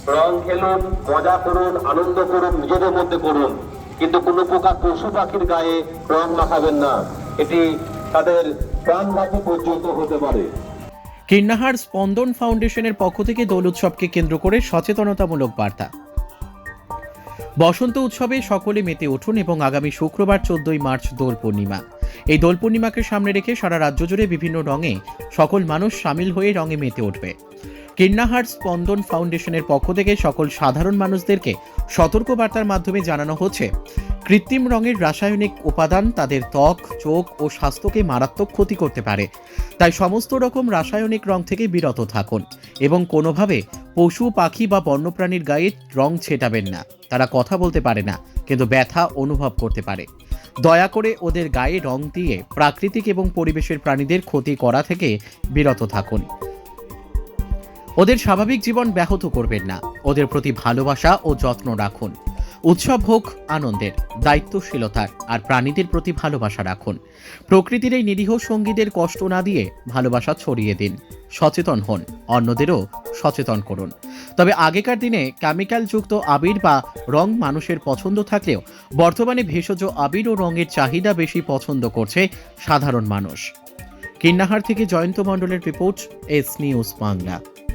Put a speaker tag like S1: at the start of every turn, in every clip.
S1: রং খেলুন, মজা করুন, আনন্দ করুন, নিজেদের মধ্যে করুন, কিন্তু কোনো প্রকার পশু পাখির গায়ে রং মাখাবেন না। এটি তাদের প্রাণঘাতী পর্যন্ত হতে পারে।
S2: কীর্ণাহার স্পন্দন ফাউন্ডেশনের পক্ষ থেকে দোল উৎসবকে কেন্দ্র করে সচেতনতামূলক বার্তা। বসন্ত উৎসবে সকলে মেতে উঠুন এবং আগামী শুক্রবার 14ই মার্চ দোল পূর্ণিমা। এই দোল পূর্ণিমাকে সামনে রেখে সারা রাজ্য জুড়ে বিভিন্ন রঙে সকল মানুষ সামিল হয়ে রঙে মেতে উঠবে। কীর্ণাহার স্পন্দন ফাউন্ডেশনের পক্ষ থেকে সকল সাধারণ মানুষদেরকে সতর্কবার্তার মাধ্যমে জানানো হচ্ছে, কৃত্রিম রঙের রাসায়নিক উপাদান তাদের ত্বক, চোখ ও স্বাস্থ্যকে মারাত্মক ক্ষতি করতে পারে। তাই সমস্ত রকম রাসায়নিক রং থেকে বিরত থাকুন এবং কোনোভাবে পশু, পাখি বা বন্যপ্রাণীর গায়ে রং ছেটাবেন না। তারা কথা বলতে পারে না, কিন্তু ব্যথা অনুভব করতে পারে। দয়া করে ওদের গায়ে রং দিয়ে প্রাকৃতিক এবং পরিবেশের প্রাণীদের ক্ষতি করা থেকে বিরত থাকুন। ওদের স্বাভাবিক জীবন ব্যাহত করবেন না। ওদের প্রতি ভালোবাসা ও যত্ন রাখুন। উৎসব হোক আনন্দের, দায়িত্বশীলতার, আর প্রাণীদের প্রতি ভালোবাসা রাখুন। প্রকৃতির এই নিরীহ সঙ্গীদের কষ্ট না দিয়ে ভালোবাসা ছড়িয়ে দিন। সচেতন হন, অন্যদেরও সচেতন করুন। তবে আগেকার দিনে কেমিক্যালযুক্ত আবির বা রং মানুষের পছন্দ থাকলেও বর্তমানে ভেষজ আবির ও রঙের চাহিদা বেশি পছন্দ করছে সাধারণ মানুষ। কীর্ণাহার থেকে জয়ন্ত মণ্ডলের রিপোর্ট, এস নিউজ বাংলা।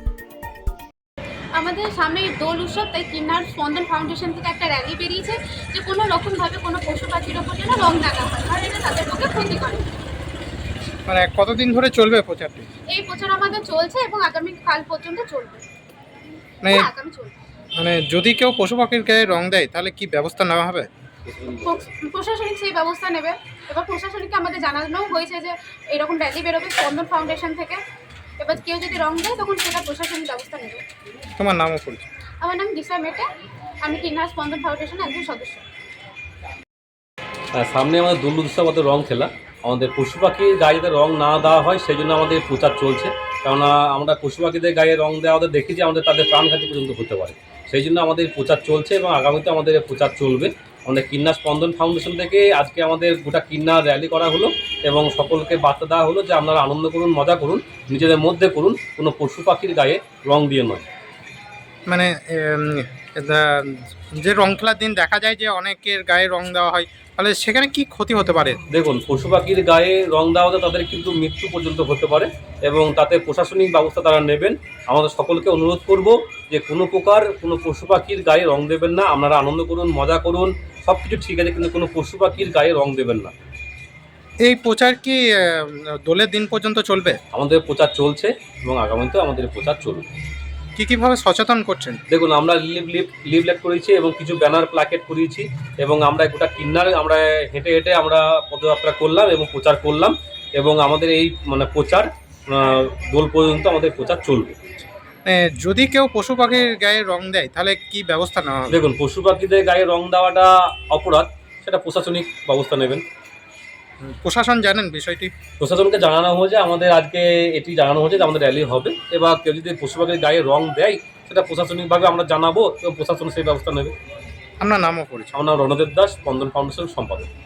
S3: আমাদের সামনে দোল উৎসব, তাই কীর্ণাহার স্পন্দন ফাউন্ডেশন থেকে একটা র্যালি বেরিয়েছে যে কোনো রকমভাবে কোনো পশু পাখির ওপর যেন রং লাগা হয়, কারণ এটা তাদের পক্ষে ক্ষতি করে।
S4: মানে কতদিন ধরে চলবে প্রচারটি?
S3: এই প্রচার আমাদের চলছে এবং আগামী কাল পর্যন্ত চলবে। আগামী চলবে।
S4: মানে যদি কেউ পশু পাখির গায়ে রং দেয় তাহলে কি ব্যবস্থা নেওয়া হবে?
S3: প্রশাসনিক সেই ব্যবস্থা নেবে। এবার প্রশাসনিককে আমাদের জানানো হয়েছে যে এরকম র্যালি বেরোবে স্পন্দন ফাউন্ডেশন থেকে। এবার কেউ যদি রং দেয় তখন সেটা প্রশাসনিক ব্যবস্থা নেবে।
S4: তোমার নামও পরিচয়?
S3: আমার নাম দিশা মেটে, আমি কীর্ণাহার স্পন্দন ফাউন্ডেশনের একজন সদস্য।
S5: সামনে আমাদের দোল উৎসব, আমাদের রং খেলা, আমাদের পশু পাখির গায়ে যাতে রং না দেওয়া হয় সেই জন্য আমাদের প্রচার চলছে। কেননা আমরা পশু পাখিদের গায়ে রং দেওয়া দেখি যে আমাদের তাদের প্রাণঘাতী পর্যন্ত হতে পারে। সেই জন্য আমাদের প্রচার চলছে এবং আগামীতে আমাদের প্রচার চলবে। আমাদের কীর্ণাহার স্পন্দন ফাউন্ডেশন থেকে আজকে আমাদের গোটা কীর্ণাহার র্যালি করা হলো এবং সকলকে বার্তা দেওয়া হলো যে আপনারা আনন্দ করুন, মজা করুন, নিজেদের মধ্যে করুন, কোনো পশু পাখির গায়ে রং দিয়ে নয়।
S4: মানে যে রং খেলার দিন দেখা যায় যে অনেকের গায়ে রং দেওয়া হয়, তাহলে সেখানে কি ক্ষতি হতে পারে?
S5: দেখুন, পশু পাখির গায়ে রং দেওয়াতে তাদের কিন্তু মৃত্যু পর্যন্ত হতে পারে এবং তাতে প্রশাসনিক ব্যবস্থা তারা নেবেন। আমাদের সকলকে অনুরোধ করব যে কোনো প্রকার কোনো পশু পাখির গায়ে রং দেবেন না। আপনারা আনন্দ করুন, মজা করুন, সব কিছু ঠিক আছে, কিন্তু কোনো পশু পাখির গায়ে রং দেবেন না।
S4: এই প্রচার কি দোলের দিন পর্যন্ত চলবে?
S5: আমাদের প্রচার চলছে এবং আগামীতেও আমাদের প্রচার চলবে।
S4: কীভাবে সচেতন করছেন?
S5: দেখুন, আমরা লিভলেট করেছি এবং কিছু ব্যানার প্ল্যাকেট করিয়েছি এবং আমরা গোটা কিন্নার আমরা হেঁটে হেঁটে আমরা পদযাত্রা করলাম এবং প্রচার করলাম এবং আমাদের এই প্রচার দোল পর্যন্ত আমাদের প্রচার চলবে।
S4: যদি কেউ পশু পাখির গায়ে রং দেয় তাহলে কি ব্যবস্থা নেওয়া হবে?
S5: দেখুন, পশু পাখিদের গায়ে রং দেওয়াটা অপরাধ, সেটা প্রশাসনিক ব্যবস্থা নেবেন।
S4: প্রশাসন জানেন বিষয়টি?
S5: প্রশাসনকে জানানো হয়েছে, আমাদের আজকে এটি জানানো হয়েছে যে আমাদের র্যালি হবে। এবার কেউ যদি পশু পাখির গায়ে রং দেয় সেটা প্রশাসনিকভাবে আমরা জানাবো এবং প্রশাসন সেই ব্যবস্থা নেবে।
S4: আপনার নামও পরিচয়?
S5: আমার নাম রণদেব দাস, স্পন্দন ফাউন্ডেশন সম্পাদক।